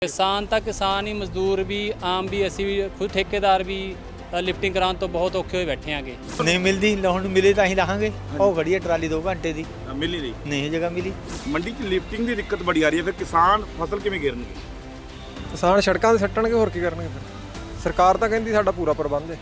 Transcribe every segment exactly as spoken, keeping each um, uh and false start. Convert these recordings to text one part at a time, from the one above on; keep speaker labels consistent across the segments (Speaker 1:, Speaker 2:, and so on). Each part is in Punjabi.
Speaker 1: किसान ਤਾਂ किसान ही मजदूर भी आम भी ਅਸੀਂ ਵੀ खुद ठेकेदार भी ਲਿਫਟਿੰਗ ਕਰਾਉਣ ਤੋਂ ਬਹੁਤ ਔਖੇ ਹੋਏ ਬੈਠੇ ਆਂਗੇ।
Speaker 2: ਨਹੀਂ ਮਿਲਦੀ, ਲਾਉਣ ਨੂੰ ਮਿਲੇ ਤਾਂ ਹੀ ਲਾਹਾਂਗੇ। ਉਹ ਖੜੀ ਹੈ ਟਰਾਲੀ ਦੋ ਘੰਟੇ ਦੀ,
Speaker 3: ਮਿਲ ਨਹੀਂ ਰਹੀ,
Speaker 2: ਨਹੀਂ ਜਗ੍ਹਾ ਮਿਲੀ।
Speaker 3: ਮੰਡੀ 'ਚ ਲਿਫਟਿੰਗ ਦੀ ਦਿੱਕਤ ਬੜੀ ਆ ਰਹੀ ਹੈ, ਫਿਰ ਕਿਸਾਨ ਫਸਲ ਕਿਵੇਂ ਗੇਰਨਗੇ?
Speaker 4: ਕਿਸਾਨ ਸੜਕਾਂ 'ਤੇ ਸੱਟਣਗੇ, ਹੋਰ ਕੀ ਕਰਨਗੇ? ਫਿਰ ਸਰਕਾਰ ਤਾਂ ਕਹਿੰਦੀ ਸਾਡਾ ਪੂਰਾ ਪ੍ਰਬੰਧ ਹੈ,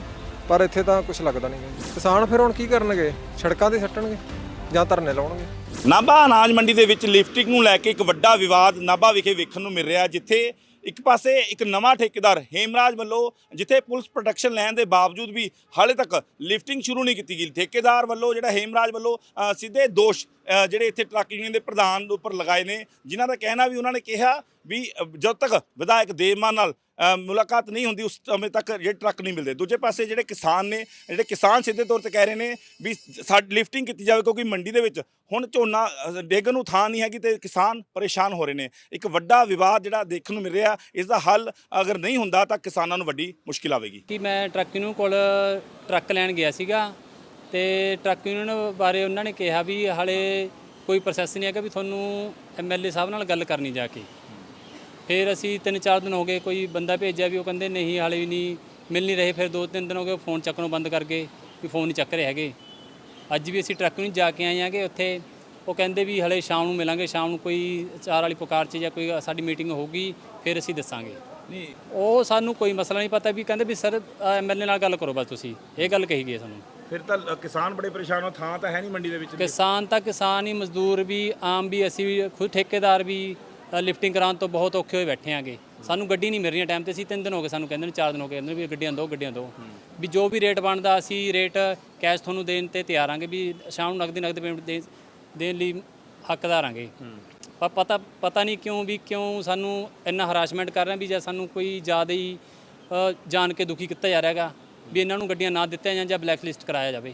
Speaker 4: ਪਰ ਇੱਥੇ ਤਾਂ ਕੁਝ ਲੱਗਦਾ ਨਹੀਂ। ਕਿਸਾਨ ਫਿਰ ਹੁਣ ਕੀ ਕਰਨਗੇ? ਸੜਕਾਂ 'ਤੇ ਸੱਟਣਗੇ ਜਾਂ ਧਰਨੇ ਲਾਉਣਗੇ।
Speaker 3: ਨਾਭਾ ਅਨਾਜ ਮੰਡੀ ਦੇ ਵਿੱਚ ਲਿਫਟਿੰਗ ਨੂੰ ਲੈ ਕੇ ਇੱਕ ਵੱਡਾ ਵਿਵਾਦ ਨਾਭਾ ਵਿਖੇ ਵੇਖਣ ਨੂੰ ਮਿਲ ਰਿਹਾ, ਜਿੱਥੇ ਇੱਕ ਪਾਸੇ ਇੱਕ ਨਵਾਂ ਠੇਕੇਦਾਰ ਹੇਮਰਾਜ ਵੱਲੋਂ ਜਿੱਥੇ ਪੁਲਿਸ ਪ੍ਰੋਟੈਕਸ਼ਨ ਲੈਣ ਦੇ ਬਾਵਜੂਦ ਵੀ ਹਾਲੇ ਤੱਕ ਲਿਫਟਿੰਗ ਸ਼ੁਰੂ ਨਹੀਂ ਕੀਤੀ ਗਈ। ਠੇਕੇਦਾਰ ਵੱਲੋਂ ਜਿਹੜਾ ਹੇਮਰਾਜ ਵੱਲੋਂ ਸਿੱਧੇ ਦੋਸ਼ ਜਿਹੜੇ ਇੱਥੇ ਟਰੱਕ ਯੂਨੀਅਨ ਦੇ ਪ੍ਰਧਾਨ ਦੇ ਉੱਪਰ ਲਗਾਏ ਨੇ, ਜਿਨ੍ਹਾਂ ਦਾ ਕਹਿਣਾ ਵੀ ਉਹਨਾਂ ਨੇ ਕਿਹਾ ਵੀ ਜਦ ਤੱਕ ਵਿਧਾਇਕ ਦੇਵਮਾਨ ਨਾਲ ਮੁਲਾਕਾਤ ਨਹੀਂ ਹੁੰਦੀ ਉਸ ਸਮੇਂ ਤੱਕ ਜਿਹੜੇ ਟਰੱਕ ਨਹੀਂ ਮਿਲਦੇ। ਦੂਜੇ ਪਾਸੇ ਜਿਹੜੇ ਕਿਸਾਨ ਨੇ, ਜਿਹੜੇ ਕਿਸਾਨ ਸਿੱਧੇ ਤੌਰ 'ਤੇ ਕਹਿ ਰਹੇ ਨੇ ਵੀ ਸਾਡੀ ਲਿਫਟਿੰਗ ਕੀਤੀ ਜਾਵੇ, ਕਿਉਂਕਿ ਮੰਡੀ ਦੇ ਵਿੱਚ ਹੁਣ ਝੋਨਾ ਡੇਗਣ ਨੂੰ ਥਾਂ ਨਹੀਂ ਹੈਗੀ ਤੇ ਕਿਸਾਨ ਪਰੇਸ਼ਾਨ ਹੋ ਰਹੇ ਨੇ। ਇੱਕ ਵੱਡਾ ਵਿਵਾਦ ਜਿਹੜਾ ਦੇਖਣ ਨੂੰ ਮਿਲ ਰਿਹਾ, ਇਸ ਦਾ ਹੱਲ ਅਗਰ ਨਹੀਂ ਹੁੰਦਾ ਤਾਂ ਕਿਸਾਨਾਂ ਨੂੰ ਵੱਡੀ ਮੁਸ਼ਕਿਲ ਆਵੇਗੀ।
Speaker 1: ਕਿ ਮੈਂ ਟਰੱਕ ਯੂਨੀਅਨ ਕੋਲ ਟਰੱਕ ਲੈਣ ਗਿਆ ਸੀਗਾ ਤੇ ਟਰੱਕ ਯੂਨੀਅਨ ਬਾਰੇ ਉਹਨਾਂ ਨੇ ਕਿਹਾ ਵੀ ਹਾਲੇ ਕੋਈ ਪ੍ਰੋਸੈਸ ਨਹੀਂ ਹੈਗਾ, ਵੀ ਤੁਹਾਨੂੰ ਐਮ ਐਲ ਏ ਸਾਹਿਬ ਨਾਲ ਗੱਲ ਕਰਨੀ ਜਾ ਕੇ। ਫਿਰ ਅਸੀਂ ਤਿੰਨ ਚਾਰ ਦਿਨ ਹੋ ਗਏ, ਕੋਈ ਬੰਦਾ ਭੇਜਿਆ ਵੀ ਉਹ ਕਹਿੰਦੇ ਨਹੀਂ ਹਾਲੇ ਵੀ ਨਹੀਂ ਮਿਲ ਨਹੀਂ ਰਹੇ। ਫਿਰ ਦੋ ਤਿੰਨ ਦਿਨ ਹੋ ਗਏ ਫੋਨ ਚੱਕਣੋਂ ਬੰਦ ਕਰ ਗਏ, ਵੀ ਫੋਨ ਨਹੀਂ ਚੱਕ ਰਹੇ ਹੈਗੇ। ਅੱਜ ਵੀ ਅਸੀਂ ਟਰੱਕ ਨੂੰ ਜਾ ਕੇ ਆਏ ਆਂਗੇ ਉੱਥੇ, ਉਹ ਕਹਿੰਦੇ ਵੀ ਹਲੇ ਸ਼ਾਮ ਨੂੰ ਮਿਲਾਂਗੇ, ਸ਼ਾਮ ਨੂੰ ਕੋਈ ਚਾਰ ਵਾਲੀ ਪੁਕਾਰ 'ਚ ਜਾਂ ਕੋਈ ਸਾਡੀ ਮੀਟਿੰਗ ਹੋਊਗੀ ਫਿਰ ਅਸੀਂ ਦੱਸਾਂਗੇ। ਨਹੀਂ ਉਹ ਸਾਨੂੰ ਕੋਈ ਮਸਲਾ ਨਹੀਂ ਪਤਾ, ਵੀ ਕਹਿੰਦੇ ਵੀ ਸਰ ਐਮ ਐਲ ਏ ਨਾਲ ਗੱਲ ਕਰੋ ਬਸ, ਤੁਸੀਂ ਇਹ ਗੱਲ ਕਹੀ ਗਈ ਸਾਨੂੰ।
Speaker 3: ਫਿਰ ਤਾਂ ਕਿਸਾਨ ਬੜੇ ਪਰੇਸ਼ਾਨ ਹੋ, ਥਾਂ ਤਾਂ ਹੈ ਨਹੀਂ ਮੰਡੀ ਦੇ ਵਿੱਚ।
Speaker 1: ਕਿਸਾਨ ਤਾਂ ਕਿਸਾਨ ਹੀ, ਮਜ਼ਦੂਰ ਵੀ ਆਮ ਵੀ ਅਸੀਂ ਵੀ ਖੁਦ ਠੇਕੇਦਾਰ ਵੀ ਲਿਫਟਿੰਗ ਕਰਾਉਣ ਤੋਂ ਬਹੁਤ ਔਖੇ ਹੋਏ ਬੈਠੇ ਆਂਗੇ। ਸਾਨੂੰ ਗੱਡੀ ਨਹੀਂ ਮਿਲ ਰਹੀ ਟਾਈਮ 'ਤੇ। ਅਸੀਂ ਤਿੰਨ ਦਿਨ ਹੋ ਗਏ ਸਾਨੂੰ ਕਹਿੰਦੇ ਨੇ, ਚਾਰ ਦਿਨ ਹੋ ਗਏ ਕਹਿੰਦੇ ਵੀ ਗੱਡੀਆਂ ਦਿਓ ਗੱਡੀਆਂ ਦਿਓ, ਵੀ ਜੋ ਵੀ ਰੇਟ ਬਣਦਾ ਅਸੀਂ ਰੇਟ ਕੈਸ਼ ਤੁਹਾਨੂੰ ਦੇਣ 'ਤੇ ਤਿਆਰ ਆਂਗੇ, ਵੀ ਸ਼ਾਮ ਨੂੰ ਨਕਦੀ ਨਕਦ ਪੇਮੈਂਟ ਦੇ ਦੇਣ ਲਈ ਹੱਕਦਾਰ ਆਂਗੇ। ਪਰ ਪਤਾ ਪਤਾ ਨਹੀਂ ਕਿਉਂ ਵੀ ਕਿਉਂ ਸਾਨੂੰ ਇੰਨਾ ਹਰਾਸਮੈਂਟ ਕਰ ਰਹੇ, ਵੀ ਜਾਂ ਸਾਨੂੰ ਕੋਈ ਜ਼ਿਆਦਾ ਹੀ ਜਾਣ ਕੇ ਦੁਖੀ ਕੀਤਾ ਜਾ ਰਿਹਾ ਹੈਗਾ ਵੀ ਇਹਨਾਂ ਨੂੰ ਗੱਡੀਆਂ ਨਾ ਦਿੱਤੀਆਂ ਜਾਣ ਜਾਂ ਬਲੈਕ ਲਿਸਟ ਕਰਾਇਆ ਜਾਵੇ।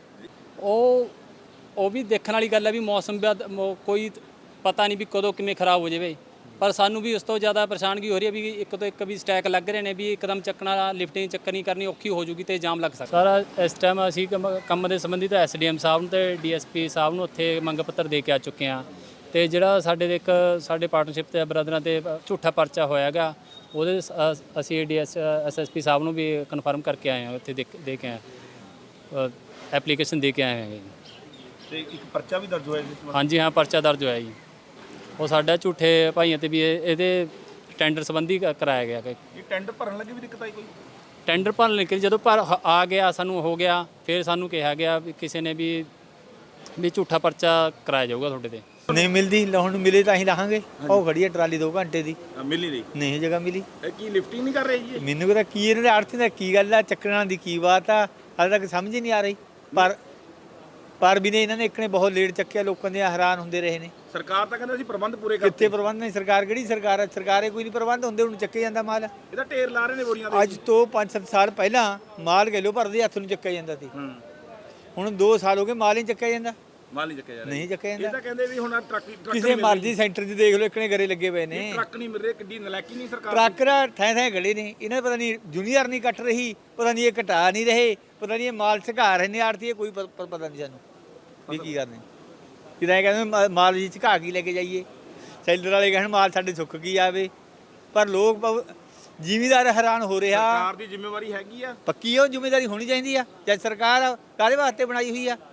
Speaker 1: ਉਹ ਉਹ ਵੀ ਦੇਖਣ ਵਾਲੀ ਗੱਲ ਹੈ ਵੀ ਮੌਸਮ ਕੋਈ ਪਤਾ ਨਹੀਂ ਵੀ ਕਦੋਂ ਕਿਵੇਂ ਖਰਾਬ ਹੋ ਜਾਵੇ। ਪਰ ਸਾਨੂੰ ਵੀ ਉਸ ਤੋਂ ਜ਼ਿਆਦਾ ਪਰੇਸ਼ਾਨਗੀ ਹੋ ਰਹੀ ਹੈ ਵੀ ਇੱਕ ਤੋਂ ਇੱਕ ਵੀ ਸਟੈਕ ਲੱਗ ਰਹੇ ਨੇ, ਵੀ ਇੱਕਦਮ ਚੱਕਣਾ ਲਿਫਟਿੰਗ ਚੱਕਣੀ ਕਰਨੀ ਔਖੀ ਹੋ ਜੂਗੀ ਤੇ ਜਾਮ ਲੱਗ ਸਕਦਾ। ਸਾਰਾ ਇਸ ਟਾਈਮ ਅਸੀਂ ਕੰਮ ਦੇ ਸੰਬੰਧੀ ਤਾਂ ਐਸ ਡੀ ਐਮ ਸਾਹਿਬ ਨੂੰ ਤੇ ਡੀ ਐਸ ਪੀ ਸਾਹਿਬ ਨੂੰ ਉੱਥੇ ਮੰਗ ਪੱਤਰ ਦੇ ਕੇ ਆ ਚੁੱਕੇ ਹਾਂ। ਤੇ ਜਿਹੜਾ ਸਾਡੇ ਇੱਕ ਸਾਡੇ ਪਾਰਟਨਰਸ਼ਿਪ ਤੇ ਬ੍ਰਦਰਾਂ ਤੇ ਝੂਠਾ ਪਰਚਾ ਹੋਇਆ ਹੈਗਾ, ਉਹਦੇ ਅਸੀਂ D S S S P ਸਾਹਿਬ ਨੂੰ ਵੀ ਕਨਫਰਮ ਕਰਕੇ ਆਏ ਹਾਂ, ਉੱਥੇ ਦੇ ਕੇ ਆਏ ਐਪਲੀਕੇਸ਼ਨ ਦੇ ਕੇ ਆਏ ਹੈਗੇ।
Speaker 3: ਤੇ ਇੱਕ ਪਰਚਾ ਵੀ ਦਰਜ ਹੋਇਆ ਜੀ? ਹਾਂਜੀ
Speaker 1: ਹਾਂ, ਪਰਚਾ ਦਰਜ ਹੋਇਆ ਜੀ। ਉਹ ਸਾਡਾ ਝੂਠੇ ਭਾਈਆਂ ਤੇ ਵੀ ਇਹਦੇ ਟੈਂਡਰ ਸੰਬੰਧੀ ਕਰਾਇਆ ਗਿਆ।
Speaker 3: ਇਹ ਟੈਂਡਰ ਭਰਨ ਲੱਗੇ ਵੀ ਦਿੱਕਤ ਆਈ ਕੋਈ?
Speaker 1: ਟੈਂਡਰ ਭਰਨ ਲੱਗੇ ਜਦੋਂ ਪਰ ਆ ਗਿਆ ਸਾਨੂੰ ਹੋ ਗਿਆ, ਫਿਰ ਸਾਨੂੰ ਕਿਹਾ ਗਿਆ ਵੀ ਕਿਸੇ ਨੇ ਵੀ ਵੀ ਝੂਠਾ ਪਰਚਾ ਕਰਾਇਆ ਜਾਊਗਾ ਤੁਹਾਡੇ ਤੇ।
Speaker 2: ਨਹੀਂ ਮਿਲਦੀ, ਲਾਉਣ ਨੂੰ ਮਿਲੇ ਤਾਂ ਹੀ ਲਾਹਾਂਗੇ। ਉਹ ਖੜੀ ਹੈ ਟਰਾਲੀ ਦੋ ਘੰਟੇ ਦੀ,
Speaker 3: ਮਿਲ ਨਹੀਂ ਰਹੀ,
Speaker 2: ਨਹੀਂ ਜਗ੍ਹਾ ਮਿਲੀ।
Speaker 3: ਇਹ ਕੀ ਲਿਫਟਿੰਗ ਨਹੀਂ ਕਰ ਰਹੀ ਜੀ?
Speaker 2: ਮੈਨੂੰ ਪਤਾ ਕੀ ਇਹਨਾਂ ਦੇ ਅਰਥ ਦਾ ਕੀ ਗੱਲ ਆ, ਚੱਕਰਾਂ ਦੀ ਕੀ ਬਾਤ ਆ, ਹਾਲੇ ਤੱਕ ਸਮਝ ਹੀ ਨਹੀਂ ਆ ਰਹੀ। ਪਰ ਪਰ ਵੀ ਨੇ ਇਹਨਾਂ ਨੇ ਇੱਕ ਨੇ ਬਹੁਤ ਲੇਟ ਚੱਕਿਆ, ਲੋਕਾਂ ਦੇ ਹੈਰਾਨ ਹੁੰਦੇ ਰਹੇ ਨੇ।
Speaker 3: ਸਰਕਾਰ ਤਾਂ ਕਹਿੰਦਾ ਅਸੀਂ ਪ੍ਰਬੰਧ ਪੂਰੇ ਕਰਤੇ।
Speaker 2: ਕਿੱਥੇ ਪ੍ਰਬੰਧ ਨਹੀਂ? ਸਰਕਾਰ ਕਿਹੜੀ ਸਰਕਾਰ ਹੈ? ਸਰਕਾਰੇ ਕੋਈ ਨਹੀਂ ਪ੍ਰਬੰਧ ਹੁੰਦੇ, ਹੁਣ ਚੱਕੇ ਜਾਂਦਾ ਮਾਲ।
Speaker 3: ਇਹਦਾ ਢੇਰ ਲਾ ਰਹੇ ਨੇ ਬੋਰੀਆਂ ਦੇ।
Speaker 2: ਅੱਜ ਤੋਂ ਪੰਜ ਸੱਤ ਸਾਲ ਪਹਿਲਾਂ ਮਾਲ ਕਿਲੋ ਭਰਦੇ ਹੱਥ ਨੂੰ ਚੱਕਿਆ ਜਾਂਦਾ ਸੀ, ਹੁਣ ਦੋ ਸਾਲ ਹੋ ਗਏ ਮਾਲ ਹੀ ਚੱਕਿਆ ਜਾਂਦਾ।
Speaker 3: ਮਾਲ ਨਹੀਂ ਚੱਕਿਆ ਜਾ ਰਿਹਾ,
Speaker 2: ਨਹੀਂ ਚੱਕਿਆ ਜਾਂਦਾ।
Speaker 3: ਇਹ ਤਾਂ ਕਹਿੰਦੇ ਵੀ ਹੁਣ ਟਰੱਕ
Speaker 2: ਕਿਸੇ ਮਰਜ਼ੀ ਸੈਂਟਰ 'ਚ ਦੇਖ ਲਓ, ਇੱਕਨੇ ਗਰੇ ਲੱਗੇ ਪਏ ਨੇ।
Speaker 3: ਟਰੱਕ ਨਹੀਂ ਮਿਲ ਰਹੇ, ਕਿੱਡੀ ਨਲਾਇਕੀ ਨਹੀਂ ਸਰਕਾਰ।
Speaker 2: ਟਰੱਕ ਥੈਂ ਥੈਂ ਖੜੇ ਨੇ, ਇਹਨਾਂ ਪਤਾ ਨਹੀਂ ਜੂਨੀਅਰ ਨਹੀਂ ਕੱਟ ਰਹੀ, ਪਤਾ ਨਹੀਂ ਇਹ ਘਟਾ ਨਹੀਂ ਰਹੇ, ਪਤਾ ਨਹੀਂ ਇਹ ਮਾਲ ਝਕਾ ਰਹੇ ਨੇ ਆੜਤੀ, ਕੋਈ ਪਤਾ ਨਹੀਂ ਸਾਨੂੰ ਵੀ ਕੀ ਕਰਨੇ। ਕਿਦਾਂ ਕਹਿੰਦੇ ਮਾਲ ਜੀ ਝਕਾ ਕੇ ਲੈ ਕੇ ਜਾਈਏ, ਸੈਲਰ ਵਾਲੇ ਕਹਿਣ ਮਾਲ ਸਾਡੇ ਸੁੱਕ ਕੀ ਆਵੇ। ਪਰ ਲੋਕ ਜ਼ਿਮੀਦਾਰ ਹੈਰਾਨ ਹੋ ਰਿਹਾ।
Speaker 3: ਸਰਕਾਰ ਦੀ ਜ਼ਿੰਮੇਵਾਰੀ ਹੈਗੀ ਆ,
Speaker 2: ਪੱਕੀ ਉਹ ਜ਼ਿੰਮੇਵਾਰੀ ਹੋਣੀ ਚਾਹੀਦੀ ਆ। ਜਦ ਸਰਕਾਰ ਕਾਹਦੇ ਵਾਸਤੇ ਬਣਾਈ ਹੋਈ ਆ?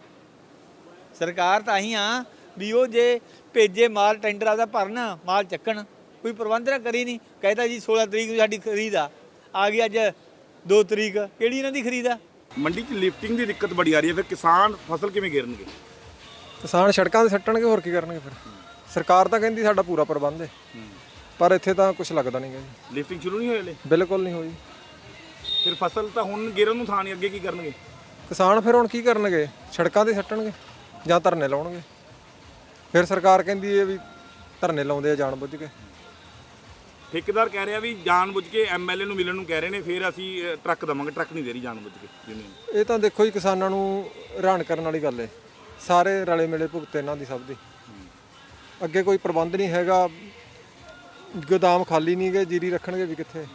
Speaker 2: ਸਰਕਾਰ ਤਾਂ ਹੀ ਆ ਵੀ ਉਹ ਜੇ ਭੇਜੇ ਮਾਲ ਟੈਂਡਰ ਆਪਦਾ ਭਰਨ, ਮਾਲ ਚੱਕਣ, ਕੋਈ ਪ੍ਰਬੰਧ ਨਾ ਕਰੀ ਨਹੀਂ। ਕਹਿੰਦਾ ਜੀ ਸੋਲਾਂ ਤਰੀਕ ਨੂੰ ਸਾਡੀ ਖਰੀਦ ਆ, ਆ ਗਈ ਅੱਜ ਦੋ ਤਰੀਕ, ਕਿਹੜੀ ਇਹਨਾਂ ਦੀ ਖਰੀਦ ਆ?
Speaker 3: ਮੰਡੀ 'ਚ ਲਿਫਟਿੰਗ ਦੀ ਦਿੱਕਤ ਬੜੀ ਆ ਰਹੀ ਹੈ, ਫਿਰ ਕਿਸਾਨ ਫਸਲ ਕਿਵੇਂ ਗੇਰਨਗੇ?
Speaker 4: ਕਿਸਾਨ ਸੜਕਾਂ 'ਤੇ ਸੱਟਣਗੇ, ਹੋਰ ਕੀ ਕਰਨਗੇ? ਫਿਰ ਸਰਕਾਰ ਤਾਂ ਕਹਿੰਦੀ ਸਾਡਾ ਪੂਰਾ ਪ੍ਰਬੰਧ ਹੈ, ਪਰ ਇੱਥੇ ਤਾਂ ਕੁਝ ਲੱਗਦਾ ਨਹੀਂ ਗਾ ਜੀ।
Speaker 3: ਲਿਫਟਿੰਗ ਸ਼ੁਰੂ ਨਹੀਂ ਹੋਈ ਹਲੇ?
Speaker 4: ਬਿਲਕੁਲ ਨਹੀਂ ਹੋਈ।
Speaker 3: ਫਿਰ ਫਸਲ ਤਾਂ ਹੁਣ ਗੇਰਨ ਨੂੰ ਥਾਂ ਨਹੀਂ, ਅੱਗੇ ਕੀ ਕਰਨਗੇ
Speaker 4: ਕਿਸਾਨ? ਫਿਰ ਹੁਣ ਕੀ ਕਰਨਗੇ? ਸੜਕਾਂ 'ਤੇ ਸੱਟਣਗੇ ਜਾਂ ਧਰਨੇ ਲਾਉਣਗੇ। ਫਿਰ ਸਰਕਾਰ ਕਹਿੰਦੀ ਹੈ ਵੀ ਧਰਨੇ ਲਾਉਂਦੇ ਆ ਜਾਣ ਬੁੱਝ ਕੇ।
Speaker 3: ਠੇਕੇਦਾਰ ਕਹਿ ਰਿਹਾ ਵੀ ਜਾਣ ਬੁੱਝ ਕੇ ਐਮ ਐਲ ਏ ਨੂੰ ਮਿਲਣ ਨੂੰ ਕਹਿ ਰਹੇ ਨੇ, ਫਿਰ ਅਸੀਂ ਟਰੱਕ ਦੇਵਾਂਗੇ। ਟਰੱਕ ਨਹੀਂ ਦੇ ਰਹੀ ਜਾਣ ਬੁੱਝ ਕੇ ਯੂਨੀਅਨ।
Speaker 4: ਇਹ ਤਾਂ ਦੇਖੋ ਜੀ, ਕਿਸਾਨਾਂ ਨੂੰ ਹੈਰਾਨ ਕਰਨ ਵਾਲੀ ਗੱਲ ਹੈ। ਸਾਰੇ ਰਲੇ ਮਿਲੇ ਭੁਗਤੇ ਇਹਨਾਂ ਦੀ ਸਭ ਦੀ। ਅੱਗੇ ਕੋਈ ਪ੍ਰਬੰਧ ਨਹੀਂ ਹੈਗਾ, ਗੋਦਾਮ ਖਾਲੀ ਨਹੀਂ ਗਏ, ਜੀਰੀ ਰੱਖਣਗੇ ਵੀ ਕਿੱਥੇ?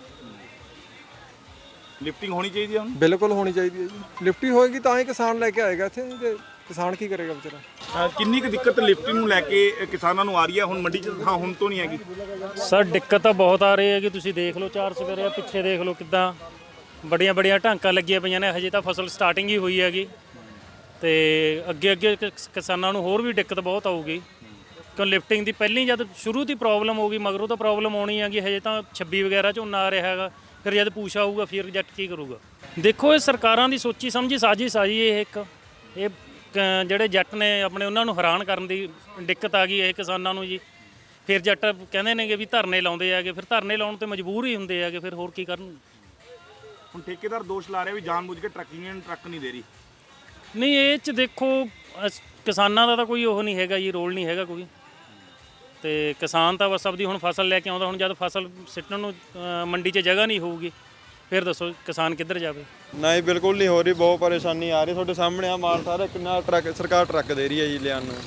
Speaker 3: ਲਿਫਟਿੰਗ ਹੋਣੀ ਚਾਹੀਦੀ ਹੈ ਹੁਣ?
Speaker 4: ਬਿਲਕੁਲ ਹੋਣੀ ਚਾਹੀਦੀ ਹੈ ਜੀ। ਲਿਫਟੀ ਹੋਏਗੀ ਤਾਂ ਹੀ ਕਿਸਾਨ ਲੈ ਕੇ ਆਏਗਾ ਇੱਥੇ, ਤੇ ਕਿਸਾਨ ਕੀ ਕਰੇਗਾ ਵਿਚਾਰਾ?
Speaker 3: ਅ, ਕਿੰਨੀ ਕੁ ਦਿੱਕਤ ਲਿਫਟਿੰਗ ਨੂੰ ਲੈ ਕੇ ਅ, ਕਿਸਾਨਾਂ ਨੂੰ ਆ ਰਹੀ ਹੈ? ਹੁਣ ਮੰਡੀ 'ਚ ਹਾਂ ਹੁਣ ਤੋਂ ਨਹੀਂ ਹੈਗੀ।
Speaker 5: ਸਰ ਦਿੱਕਤ ਤਾਂ ਬਹੁਤ ਆ ਰਹੀ ਹੈ ਕਿ ਤੁਸੀਂ ਦੇਖ ਲਓ ਚਾਰ ਸਵੇਰੇ ਪਿੱਛੇ ਦੇਖ ਲਓ ਕਿੱਦਾਂ ਬੜੀਆਂ ਬੜੀਆਂ ਢਾਂਕਾਂ ਲੱਗੀਆਂ ਪਈਆਂ ਨੇ। ਹਜੇ ਤਾਂ ਫਸਲ ਸਟਾਰਟਿੰਗ ਹੀ ਹੋਈ ਹੈਗੀ ਤੇ ਅੱਗੇ ਅੱਗੇ ਕਿਸ- ਕਿਸਾਨਾਂ ਨੂੰ ਹੋਰ ਵੀ ਦਿੱਕਤ ਬਹੁਤ ਆਊਗੀ ਕਿਉਂ ਲਿਫਟਿੰਗ ਦੀ ਪਹਿਲੀ ਜਦ ਸ਼ੁਰੂ ਦੀ ਪ੍ਰੋਬਲਮ ਹੋਊਗੀ ਮਗਰੋਂ ਤਾਂ ਪ੍ਰੋਬਲਮ ਆਉਣੀ ਹੈਗੀ। ਹਜੇ ਤਾਂ ਛੱਬੀ ਵਗੈਰਾ ਝੋਨਾ ਆ ਰਿਹਾ ਹੈਗਾ, ਫਿਰ ਜਦ ਪੂਛ ਆਊਗਾ ਫਿਰ ਰਿਜੈਕਟ ਕੀ ਕਰੂਗਾ? ਦੇਖੋ ਇਹ ਸਰਕਾਰਾਂ ਦੀ ਸੋਚੀ ਸਮਝੀ ਸਾਜ਼ਿਸ਼ ਆ ਜੀ ਇਹ ਇੱਕ। ਇਹ ਕ- ਜਿਹੜੇ ਜੱਟ ਨੇ ਆਪਣੇ ਉਹਨਾਂ ਨੂੰ ਹੈਰਾਨ ਕਰਨ ਦੀ ਦਿੱਕਤ ਆ ਗਈ ਇਹ ਕਿਸਾਨਾਂ ਨੂੰ ਜੀ। ਫਿਰ ਜੱਟ ਕਹਿੰਦੇ ਨੇਗੇ ਵੀ ਧਰਨੇ ਲਾਉਂਦੇ ਹੈਗੇ, ਫਿਰ ਧਰਨੇ ਲਾਉਣ ਤੇ ਮਜਬੂਰ ਹੀ ਹੁੰਦੇ ਹੈਗੇ, ਫਿਰ ਹੋਰ ਕੀ ਕਰਨ?
Speaker 3: ਹੁਣ ਠੇਕੇਦਾਰ ਦੋਸ਼ ਲਾ ਰਿਹਾ ਵੀ ਜਾਣਬੁੱਝ ਕੇ ਟਰੱਕ ਯੂਨੀਅਨ ਟਰੱਕ ਨਹੀਂ ਦੇ ਰਹੀ।
Speaker 5: ਨਹੀਂ ਇਹ 'ਚ ਦੇਖੋ ਅਸ- ਕਿਸਾਨਾਂ ਦਾ ਤਾਂ ਕੋਈ ਉਹ ਨਹੀਂ ਹੈਗਾ ਜੀ, ਰੋਲ ਨਹੀਂ ਹੈਗਾ ਕੋਈ। ਤੇ ਕਿਸਾਨ ਤਾਂ ਬਸ ਆਪਦੀ ਹੁਣ ਫਸਲ ਲੈ ਕੇ ਆਉਂਦਾ। ਹੁਣ ਜਦ ਫਸਲ ਸਿੱਟਣ ਨੂੰ ਅ, ਮੰਡੀ 'ਚ ਜਗ੍ਹਾ ਨਹੀਂ ਹੋਊਗੀ ਫਿਰ ਦੱਸੋ ਕਿਸਾਨ ਕਿੱਧਰ ਜਾਵੇ?
Speaker 6: ਨਹੀਂ ਬਿਲਕੁਲ ਨਹੀਂ ਹੋ ਰਹੀ, ਬਹੁਤ ਪਰੇਸ਼ਾਨੀ ਆ ਰਹੀ। ਤੁਹਾਡੇ ਸਾਹਮਣੇ ਆ ਮਾਲ ਸਾਰਾ ਕਿੰਨਾ ਟਰੱਕ ਸਰਕਾਰ ਟਰੱਕ ਦੇ ਰਹੀ ਹੈ ਜੀ ਲਿਆਉਣ ਨੂੰ,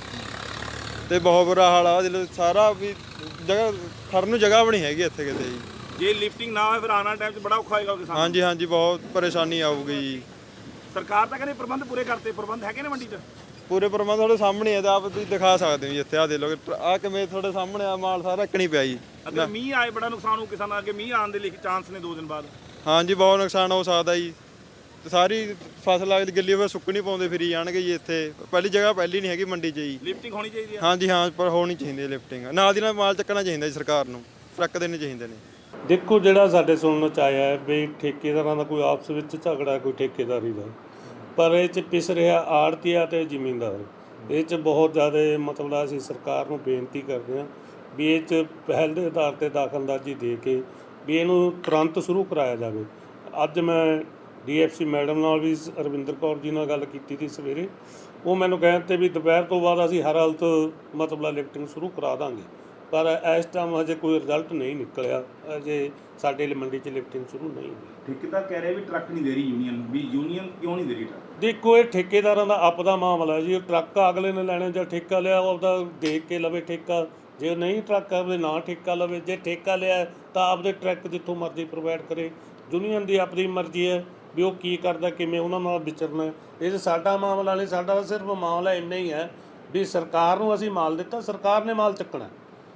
Speaker 6: ਤੇ ਬਹੁਤ ਬੁਰਾ ਹਾਲ ਆ। ਜਦੋਂ ਸਾਰਾ ਵੀ ਜਗ੍ਹਾ ਖੜਨ ਨੂੰ ਜਗ੍ਹਾ ਵੀ ਨਹੀਂ ਹੈਗੀ ਇੱਥੇ ਕਿਤੇ ਜੀ।
Speaker 3: ਜੇ ਲਿਫਟਿੰਗ ਨਾ ਹੋਵੇ ਫਿਰ ਆਉਣ ਵਾਲੇ ਟਾਈਮ 'ਚ ਬੜਾ ਔਖਾ ਹੋਏਗਾ ਕਿਸਾਨ।
Speaker 6: ਹਾਂਜੀ ਹਾਂਜੀ ਬਹੁਤ ਪਰੇਸ਼ਾਨੀ ਆਊਗੀ ਜੀ।
Speaker 3: ਸਰਕਾਰ ਤਾਂ ਕਹਿੰਦੀ ਪ੍ਰਬੰਧ ਪੂਰੇ ਕਰਤੇ, ਪ੍ਰਬੰਧ ਹੈਗੇ ਨੇ ਮੰਡੀ 'ਚ?
Speaker 6: ਪੂਰੇ ਪ੍ਰਬੰਧ ਤੁਹਾਡੇ ਸਾਹਮਣੇ ਆ, ਤੇ ਆਪ ਤੁਸੀਂ ਦਿਖਾ ਸਕਦੇ ਹੋ ਜੀ। ਇੱਥੇ ਆ ਦੇ ਲੋ ਆ ਕਿਵੇਂ ਤੁਹਾਡੇ ਸਾਹਮਣੇ ਆ ਮਾਲ ਸਾਰਾ ਇੱਕਣੀ ਪਿਆ ਜੀ।
Speaker 3: ਅਗਰ ਮੀਂਹ ਆਏ ਬੜਾ ਨੁਕਸਾਨ ਹੋ ਕਿਸਾਨਾਂ ਅੱਗੇ। ਮੀਂਹ ਆਉਣ ਦੇ ਲਿਖ ਚਾਂਸ ਨੇ ਦੋ ਦਿਨ ਬਾਅਦ।
Speaker 6: ਹਾਂਜੀ ਬਹੁਤ ਨੁਕਸਾਨ ਹੋ ਸਕਦਾ ਜੀ। ਤੇ ਸਾਰੀ ਫਸਲ ਅਗਲੀ ਗਿੱਲੀ ਹੋਵੇ ਸੁੱਕ ਨਹੀਂ ਪਾਉਂਦੇ ਫਿਰੀ ਜਾਣਗੇ ਜੀ। ਇੱਥੇ ਪਹਿਲੀ ਜਗ੍ਹਾ ਪਹਿਲੀ ਨਹੀਂ ਹੈਗੀ ਮੰਡੀ 'ਚ ਜੀ।
Speaker 3: ਲਿਫਟਿੰਗ ਹੋਣੀ ਚਾਹੀਦੀ ਹੈ।
Speaker 6: ਹਾਂਜੀ ਹਾਂ, ਪਰ ਹੋਣੀ ਚਾਹੀਦੀ ਹੈ ਲਿਫਟਿੰਗ। ਨਾਲ ਦੀ ਨਾਲ ਮਾਲ ਚੱਕਣਾ ਚਾਹੀਦਾ ਜੀ ਸਰਕਾਰ ਨੂੰ, ਟਰੱਕ ਦੇਣੇ ਚਾਹੀਦੇ ਨੇ।
Speaker 7: ਦੇਖੋ ਜਿਹੜਾ ਸਾਡੇ ਸੁਣਨ ਚ ਆਇਆ ਹੈ ਵੀ ਠੇਕੇਦਾਰਾਂ ਦਾ ਕੋਈ ਆਪਸ ਵਿੱਚ ਝਗੜਾ ਕੋਈ ਠੇਕੇਦਾਰੀ ਦਾ, ਪਰ ਇਹ 'ਚ ਪਿਸ ਰਿਹਾ ਆੜ੍ਹਤੀਆ ਤੇ ਜ਼ਿਮੀਂਦਾਰ। ਇਹ 'ਚ ਬਹੁਤ ਜ਼ਿਆਦਾ ਮਤਲਬ ਅਸੀਂ ਸਰਕਾਰ ਨੂੰ ਬੇਨਤੀ ਕਰਦੇ ਹਾਂ ਵੀ ਇਹ 'ਚ ਪਹਿਲ ਦੇ ਆਧਾਰ 'ਤੇ ਦਖਲਅੰਦਾਜ਼ੀ ਦੇ ਕੇ ਵੀ ਇਹਨੂੰ ਤੁਰੰਤ ਸ਼ੁਰੂ ਕਰਾਇਆ ਜਾਵੇ। ਅੱਜ ਮੈਂ ਡੀ ਐਫ ਸੀ ਮੈਡਮ ਨਾਲ ਵੀ ਰਵਿੰਦਰ ਕੌਰ ਜੀ ਨਾਲ ਗੱਲ ਕੀਤੀ ਸੀ ਸਵੇਰੇ। ਉਹ ਮੈਨੂੰ ਕਹਿੰਦੇ ਵੀ ਦੁਪਹਿਰ ਤੋਂ ਬਾਅਦ ਅਸੀਂ ਹਰ ਹਾਲਤ ਮਤਲਬ ਲਿਫਟਿੰਗ ਸ਼ੁਰੂ ਕਰਾ ਦਾਂਗੇ, ਪਰ ਇਸ ਟਾਈਮ ਹਜੇ ਕੋਈ ਰਿਜ਼ਲਟ ਨਹੀਂ ਨਿਕਲਿਆ। ਅਜੇ ਸਾਡੇ ਮੰਡੀ 'ਚ ਲਿਫਟਿੰਗ ਸ਼ੁਰੂ ਨਹੀਂ ਹੋਈ।
Speaker 3: ਠੇਕੇਦਾਰ ਕਹਿ ਰਿਹਾ ਵੀ ਟਰੱਕ ਨਹੀਂ ਦੇ ਰਹੀ ਯੂਨੀਅਨ, ਵੀ ਯੂਨੀਅਨ ਕਿਉਂ ਨਹੀਂ ਦੇ ਰਹੀ ਟਰੱਕ?
Speaker 7: ਦੇਖੋ ਇਹ ਠੇਕੇਦਾਰਾਂ ਦਾ ਆਪਦਾ ਮਾਮਲਾ ਜੀ। ਟਰੱਕ ਅਗਲੇ ਨੇ ਲੈਣੇ, ਜਾਂ ਠੇਕਾ ਲਿਆ ਉਹਦਾ ਦੇਖ ਕੇ ਲਵੇ ਠੇਕਾ। ਜੇ ਨਹੀਂ ਟਰੱਕ ਆਪਦੇ ਨਾ ਠੇਕਾ ਲਵੇ, ਜੇ ਠੇਕਾ ਲਿਆ ਤਾਂ ਆਪਦੇ ਟਰੱਕ ਜਿੱਥੋਂ ਮਰਜ਼ੀ ਪ੍ਰੋਵਾਈਡ ਕਰੇ। ਯੂਨੀਅਨ ਦੀ ਆਪਣੀ ਮਰਜ਼ੀ ਹੈ ਵੀ ਉਹ ਕੀ ਕਰਦਾ, ਕਿਵੇਂ ਉਹਨਾਂ ਨਾਲ ਵਿਚਰਨਾ। ਇਹ 'ਚ ਸਾਡਾ ਮਾਮਲਾ ਨਹੀਂ। ਸਾਡਾ ਸਿਰਫ ਮਾਮਲਾ ਇੰਨਾ ਹੀ ਹੈ ਵੀ ਸਰਕਾਰ ਨੂੰ ਅਸੀਂ ਮਾਲ ਦਿੱਤਾ, ਸਰਕਾਰ ਨੇ ਮਾਲ ਚੱਕਣਾ।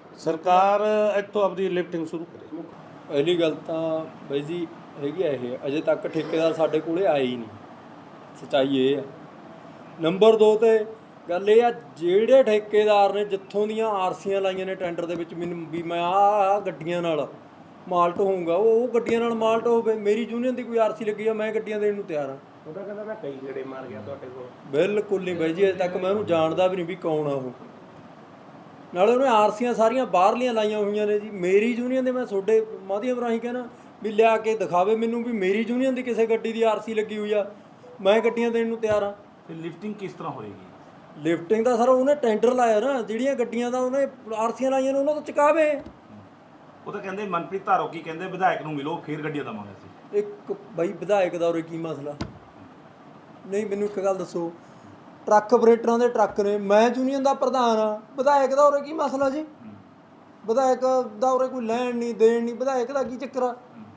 Speaker 7: ਸਰਕਾਰ ਇੱਥੋਂ ਆਪਦੀ ਲਿਫਟਿੰਗ ਸ਼ੁਰੂ ਕਰੇ।
Speaker 8: ਪਹਿਲੀ ਗੱਲ ਤਾਂ ਬਾਈ ਜੀ ਹੈਗੀ ਆ ਇਹ, ਅਜੇ ਤੱਕ ਠੇਕੇਦਾਰ ਸਾਡੇ ਕੋਲੇ ਆਏ ਹੀ ਨਹੀਂ। ਸੱਚਾਈ ਇਹ ਆ। ਨੰਬਰ ਦੋ 'ਤੇ ਗੱਲ ਇਹ ਆ, ਜਿਹੜੇ ਠੇਕੇਦਾਰ ਨੇ ਜਿੱਥੋਂ ਦੀਆਂ ਆਰਸੀਆਂ ਲਾਈਆਂ ਨੇ ਟੈਂਡਰ ਦੇ ਵਿੱਚ ਮੈਨੂੰ ਵੀ ਮੈਂ ਆਹ ਗੱਡੀਆਂ ਨਾਲ ਮਾਲ ਢੋਊਂਗਾ, ਉਹ ਉਹ ਗੱਡੀਆਂ ਨਾਲ ਮਾਲ ਢੋਵੇ। ਮੇਰੀ ਯੂਨੀਅਨ ਦੀ ਕੋਈ ਆਰਸੀ ਲੱਗੀ ਆ, ਮੈਂ ਗੱਡੀਆਂ ਦੇਣ ਨੂੰ ਤਿਆਰ ਹਾਂ।
Speaker 7: ਉਹਦਾ ਕਹਿੰਦਾ ਮੈਂ ਕਈ ਗੇੜੇ ਮਾਰ ਗਿਆ ਤੁਹਾਡੇ ਕੋਲ।
Speaker 8: ਬਿਲਕੁਲ ਨਹੀਂ ਬਾਈ ਜੀ, ਅਜੇ ਤੱਕ ਮੈਂ ਉਹਨੂੰ ਜਾਣਦਾ ਵੀ ਨਹੀਂ ਵੀ ਕੌਣ ਆ ਉਹ। ਨਾਲੇ ਉਹਨੇ ਆਰਸੀਆਂ ਸਾਰੀਆਂ ਬਾਹਰਲੀਆਂ ਲਾਈਆਂ ਹੋਈਆਂ ਨੇ ਜੀ। ਮੇਰੀ ਯੂਨੀਅਨ ਦੇ ਮੈਂ ਤੁਹਾਡੇ ਮਾਧਿਅਮ ਰਾਹੀਂ ਕਹਿਣਾ ਵੀ ਲਿਆ ਕੇ ਦਿਖਾਵੇ ਮੈਨੂੰ ਵੀ ਮੇਰੀ ਯੂਨੀਅਨ ਦੀ ਕਿਸੇ ਗੱਡੀ ਦੀ ਆਰਸੀ ਲੱਗੀ ਹੋਈ ਆ, ਮੈਂ ਗੱਡੀਆਂ ਦੇਣ ਨੂੰ ਤਿਆਰ ਹਾਂ।
Speaker 3: ਫਿਰ ਲਿਫਟਿੰਗ ਕਿਸ ਤਰ੍ਹਾਂ ਹੋਏਗੀ?
Speaker 8: ਲਿਫਟਿੰਗ ਦਾ ਸਰ ਉਹਨੇ ਟੈਂਡਰ ਲਾਇਆ ਨਾ, ਜਿਹੜੀਆਂ ਗੱਡੀਆਂ ਦਾ ਉਹਨੇ ਆਰਸੀਆਂ ਲਾਈਆਂ ਨੇ ਉਹਨਾਂ ਤੋਂ ਚੁਕਾਵੇ।
Speaker 3: ਉਹ ਤਾਂ ਕਹਿੰਦੇ ਮਨਪ੍ਰੀਤ ਧਾਰੋ ਕੀ ਕਹਿੰਦੇ ਵਿਧਾਇਕ ਨੂੰ ਮਿਲੋ ਫਿਰ ਗੱਡੀਆਂ ਦੇਵਾਂਗੇ ਅਸੀਂ।
Speaker 8: ਇੱਕ ਬਾਈ ਵਿਧਾਇਕ ਦਾ ਉਰੇ ਕੀ ਮਸਲਾ? ਨਹੀਂ ਮੈਨੂੰ ਇੱਕ ਗੱਲ ਦੱਸੋ, ਟਰੱਕ ਆਪਰੇਟਰਾਂ ਦੇ ਟਰੱਕ ਨੇ, ਮੈਂ ਯੂਨੀਅਨ ਦਾ ਪ੍ਰਧਾਨ ਆ, ਵਿਧਾਇਕ ਦਾ ਉਰੇ ਕੀ ਮਸਲਾ ਜੀ? ਵਿਧਾਇਕ ਦਾ ਉਰੇ ਕੋਈ ਲੈਣ ਨਹੀਂ ਦੇਣ ਨਹੀਂ, ਵਿਧਾਇਕ ਦਾ ਕੀ ਚੱਕਰ ਆ?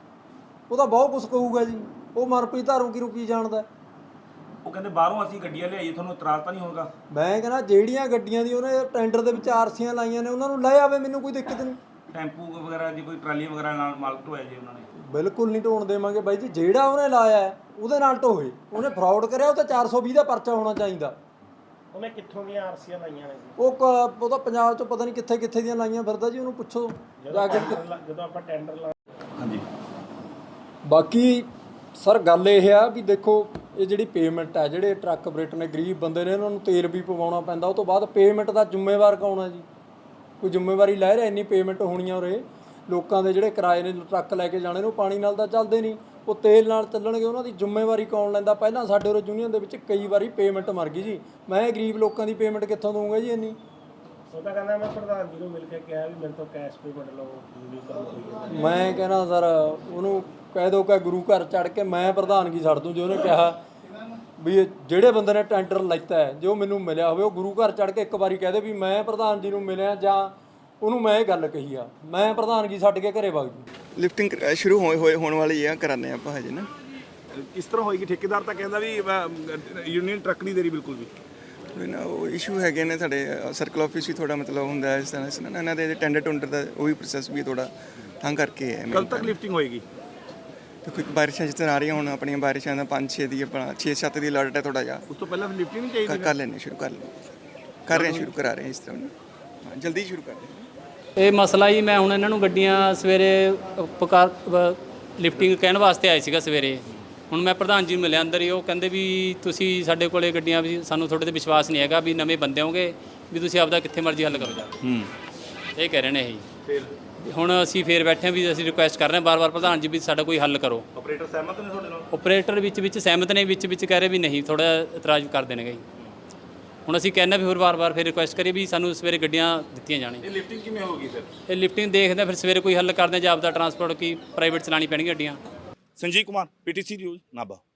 Speaker 8: ਉਹ ਤਾਂ ਬਹੁਤ ਕੁਛ ਕਹੂਗਾ ਜੀ। ਉਹ ਮਨਪ੍ਰੀਤ ਧਾਰੂ ਕੀ ਰੁਕੀ ਜਾਣਦਾ।
Speaker 3: ਉਹ ਕਹਿੰਦੇ ਬਾਹਰੋਂ ਅਸੀਂ ਗੱਡੀਆਂ ਲਿਆਈਏ, ਤੁਹਾਨੂੰ ਇਤਰਾਜ਼ ਤਾਂ ਨਹੀਂ ਹੋਗਾ?
Speaker 8: ਮੈਂ ਕਹਿੰਦਾ ਜਿਹੜੀਆਂ ਗੱਡੀਆਂ ਦੀ ਉਹਨੇ ਟੈਂਡਰ ਦੇ ਵਿੱਚ ਆਰਸੀਆਂ ਲਾਈਆਂ ਨੇ ਉਹਨਾਂ ਨੂੰ ਲੈ ਆਵੇ, ਮੈਨੂੰ ਕੋਈ ਦਿੱਕਤ ਨਹੀਂ।
Speaker 3: ਟੈਂਪੂ ਵਗੈਰਾ ਜੇ ਕੋਈ ਟਰਾਲੀਆਂ ਵਗੈਰਾ ਨਾਲ ਮਾਲ ਢੋਇਆ ਜੇ ਉਹਨਾਂ ਨੇ?
Speaker 8: ਬਿਲਕੁਲ ਨਹੀਂ ਢੋਣ ਦੇਵਾਂਗੇ ਬਾਈ ਜੀ। ਜਿਹੜਾ ਉਹਨੇ ਲਾਇਆ ਉਹਦੇ ਨਾਲ ਢੋਏ। ਉਹਨੇ ਫਰਾਡ ਕਰਿਆ, ਉਹ ਤਾਂ ਚਾਰ ਸੌ ਵੀਹ ਦਾ ਪਰਚਾ ਹੋਣਾ ਚਾਹੀਦਾ।
Speaker 7: ਉਹਨੇ ਕਿੱਥੋਂ ਦੀਆਂ ਆਰਸੀਆਂ ਲਾਈਆਂ ਨੇ?
Speaker 8: ਉਹ ਕ- ਉਹ ਤਾਂ ਪੰਜਾਬ 'ਚ ਪਤਾ ਨਹੀਂ ਕਿੱਥੇ ਕਿੱਥੇ ਦੀਆਂ ਲਾਈਆਂ ਫਿਰਦਾ ਜੀ, ਉਹਨੂੰ ਪੁੱਛੋ ਜਾ ਕੇ।
Speaker 7: ਜਦੋਂ ਆਪਾਂ ਟੈਂਡਰ ਲਾ
Speaker 3: ਹਾਂਜੀ।
Speaker 8: ਬਾਕੀ ਸਰ ਗੱਲ ਇਹ ਆ ਵੀ ਦੇਖੋ ਇਹ ਜਿਹੜੀ ਪੇਮੈਂਟ ਆ, ਜਿਹੜੇ ਟਰੱਕ ਆਪਰੇਟਰ ਨੇ ਗਰੀਬ ਬੰਦੇ ਨੇ, ਇਹਨਾਂ ਨੂੰ ਤੇਲ ਵੀ ਪਵਾਉਣਾ ਪੈਂਦਾ। ਉਹ ਤੋਂ ਬਾਅਦ ਪੇਮੈਂਟ ਦਾ ਜ਼ਿੰਮੇਵਾਰ ਕੌਣ ਆ ਜੀ? ਕੋਈ ਜ਼ਿੰਮੇਵਾਰੀ ਲੈ ਰਿਹਾ? ਇੰਨੀ ਪੇਮੈਂਟ ਹੋਣੀਆਂ ਉਰੇ ਲੋਕਾਂ ਦੇ ਜਿਹੜੇ ਕਿਰਾਏ ਨੇ ਟਰੱਕ ਲੈ ਕੇ ਜਾਣੇ ਨੇ, ਉਹ ਪਾਣੀ ਨਾਲ ਤਾਂ ਚੱਲਦੇ ਨਹੀਂ, ਉਹ ਤੇਲ ਨਾਲ ਚੱਲਣਗੇ। ਉਹਨਾਂ ਦੀ ਜ਼ਿੰਮੇਵਾਰੀ ਕੌਣ ਲੈਂਦਾ? ਪਹਿਲਾਂ ਸਾਡੇ ਉਰੇ ਯੂਨੀਅਨ ਦੇ ਵਿੱਚ ਕਈ ਵਾਰੀ ਪੇਮੈਂਟ ਮਰ ਗਈ ਜੀ। ਮੈਂ ਗਰੀਬ ਲੋਕਾਂ ਦੀ ਪੇਮੈਂਟ ਕਿੱਥੋਂ ਦਊਂਗਾ ਜੀ ਇੰਨੀ?
Speaker 7: ਉਹ ਤਾਂ ਕਹਿੰਦਾ ਮੈਂ ਪ੍ਰਧਾਨ ਜੀ ਨੂੰ ਮਿਲ ਕੇ ਕਿਹਾ ਵੀ ਮੇਰੇ ਤੋਂ ਕੈਸ਼ ਪੇਮੈਂਟ ਲਓ, ਵੀ ਕੰਮ।
Speaker 8: ਮੈਂ ਕਹਿੰਦਾ ਸਰ ਉਹਨੂੰ ਕਹਿ ਦਿਓ ਕਿ ਗੁਰੂ ਘਰ ਚੜ੍ਹ ਕੇ ਮੈਂ ਪ੍ਰਧਾਨਗੀ ਛੱਡ ਦੂੰ। ਜੇ ਉਹਨੇ ਕਿਹਾ ਵੀ ਇਹ ਜਿਹੜੇ ਬੰਦੇ ਨੇ ਟੈਂਡਰ ਲਿੱਤਾ ਹੈ, ਜੇ ਉਹ ਮੈਨੂੰ ਮਿਲਿਆ ਹੋਵੇ, ਉਹ ਗੁਰੂ ਘਰ ਚੜ੍ਹ ਕੇ ਇੱਕ ਵਾਰੀ ਕਹਿ ਦੇ ਵੀ ਮੈਂ ਪ੍ਰਧਾਨ ਜੀ ਨੂੰ ਮਿਲਿਆ, ਜਾਂ ਉਹਨੂੰ ਮੈਂ ਇਹ ਗੱਲ ਕਹੀ ਆ, ਮੈਂ ਪ੍ਰਧਾਨਗੀ ਛੱਡ ਕੇ ਘਰੇ ਵਗ ਜੂ।
Speaker 6: ਲਿਫਟਿੰਗ ਸ਼ੁਰੂ ਹੋਏ ਹੋਏ ਹੋਣ ਵਾਲੀ ਆ, ਕਰਾਉਂਦੇ ਆਪਾਂ ਹਜੇ ਨਾ।
Speaker 3: ਕਿਸ ਤਰ੍ਹਾਂ ਹੋਏਗੀ? ਠੇਕੇਦਾਰ ਤਾਂ ਕਹਿੰਦਾ ਵੀ ਯੂਨੀਅਨ ਟਰੱਕ ਨਹੀਂ ਦੇ ਰਹੀ ਬਿਲਕੁਲ ਵੀ।
Speaker 9: ਕੋਈ ਨਾ ਉਹ ਇਸ਼ੂ ਹੈਗੇ ਨੇ ਸਾਡੇ ਸਰਕਲ ਆਫਿਸ ਵੀ ਥੋੜਾ ਮਤਲਬ ਹੁੰਦਾ ਹੈ ਇਸ ਤਰ੍ਹਾਂ ਇਸ ਤਰ੍ਹਾਂ ਇਹਨਾਂ ਦੇ ਟੈਂਡਰ ਟੁੰਡਰ ਦਾ ਉਹ ਵੀ ਪ੍ਰੋਸੈਸ ਵੀ ਥੋੜਾ ਤਾਂ ਕਰਕੇ ਹੈ।
Speaker 3: ਕਦ ਤੱਕ ਲਿਫਟਿੰਗ ਹੋਏਗੀ?
Speaker 9: ਦੇਖੋ ਇੱਕ ਬਾਰਿਸ਼ਾਂ ਜਿਸ ਤਰ੍ਹਾਂ ਆ ਰਹੀਆਂ ਹੁਣ ਆਪਣੀਆਂ ਬਾਰਿਸ਼ਾਂ ਦਾ ਪੰਜ ਛੇ ਦੀ ਆਪਣਾ ਛੇ ਸੱਤ ਦੀ ਅਲਰਟ ਹੈ ਥੋੜਾ ਜਿਹਾ।
Speaker 3: ਉਸ ਤੋਂ ਪਹਿਲਾਂ ਲਿਫਟਿੰਗ ਨਹੀਂ ਚਾਹੀਦੀ?
Speaker 9: ਕਰ ਲੈਣੇ ਸ਼ੁਰੂ ਕਰ ਲੈਣੇ ਕਰ ਰਹੇ ਹਾਂ ਸ਼ੁਰੂ ਕਰਾ ਰਹੇ ਹਾਂ ਇਸ ਤਰ੍ਹਾਂ ਹਾਂ ਜਲਦੀ ਸ਼ੁਰੂ ਕਰ ਰਹੇ ਹਾਂ।
Speaker 1: ਇਹ ਮਸਲਾ ਹੀ ਮੈਂ ਹੁਣ ਇਹਨਾਂ ਨੂੰ ਗੱਡੀਆਂ ਸਵੇਰੇ ਪਕਾਰ ਲਿਫਟਿੰਗ ਕਹਿਣ ਵਾਸਤੇ ਆਏ ਸੀਗਾ ਸਵੇਰੇ। ਹੁਣ ਮੈਂ ਪ੍ਰਧਾਨ ਜੀ ਨੂੰ ਮਿਲਿਆ ਅੰਦਰ ਹੀ, ਉਹ ਕਹਿੰਦੇ ਵੀ ਤੁਸੀਂ ਸਾਡੇ ਕੋਲੇ ਗੱਡੀਆਂ ਵੀ ਸਾਨੂੰ ਤੁਹਾਡੇ ਤੇ ਵਿਸ਼ਵਾਸ ਨਹੀਂ ਹੈਗਾ ਵੀ ਨਵੇਂ ਬੰਦੇ ਹੋਗੇ ਵੀ ਤੁਸੀਂ ਆਪਦਾ ਕਿੱਥੇ ਮਰਜ਼ੀ ਹੱਲ ਕਰੋ ਜਾ ਕੇ।
Speaker 3: ਹੂੰ
Speaker 1: ਇਹ ਕਹਿ ਰਹੇ ਨੇ ਇਹ।
Speaker 3: ਫਿਰ
Speaker 1: ਹੁਣ ਅਸੀਂ ਫੇਰ ਬੈਠੇ ਹਾਂ ਵੀ ਅਸੀਂ ਰਿਕੁਐਸਟ ਕਰ ਰਹੇ ਹਾਂ ਬਾਰ-ਬਾਰ ਪ੍ਰਧਾਨ ਜੀ ਵੀ ਸਾਡਾ ਕੋਈ ਹੱਲ ਕਰੋ।
Speaker 3: ਆਪਰੇਟਰ ਸਹਿਮਤ ਨੇ ਤੁਹਾਡੇ ਨਾਲ?
Speaker 1: ਆਪਰੇਟਰ ਵਿੱਚ ਵਿੱਚ ਸਹਿਮਤ ਨੇ, ਵਿੱਚ ਵਿੱਚ ਕਹਿ ਰਹੇ ਵੀ ਨਹੀਂ, ਥੋੜਾ ਇਤਰਾਜ਼ ਕਰ ਦੇਣਗੇ। ਹੁਣ ਅਸੀਂ ਕਹਿੰਦੇ ਫਿਰ ਵਾਰ-ਵਾਰ ਫਿਰ ਰਿਕੁਐਸਟ ਕਰੀਏ ਵੀ ਸਾਨੂੰ ਸਵੇਰੇ ਗੱਡੀਆਂ ਦਿੱਤੀਆਂ ਜਾਣ।
Speaker 3: ਇਹ ਲਿਫਟਿੰਗ ਕਿਵੇਂ ਹੋਗੀ ਫਿਰ?
Speaker 1: ਇਹ ਲਿਫਟਿੰਗ ਦੇਖਦੇ ਫਿਰ ਸਵੇਰੇ ਕੋਈ ਹੱਲ ਕਰਦੇ ਜਾਂ ਆਪਦਾ ਟਰਾਂਸਪੋਰਟ ਕੀ ਪ੍ਰਾਈਵੇਟ ਚਲਾਣੀ ਪੈਣਗੀ ਗੱਡੀਆਂ।
Speaker 3: Sanjeev Kumar, PTC news Nabha.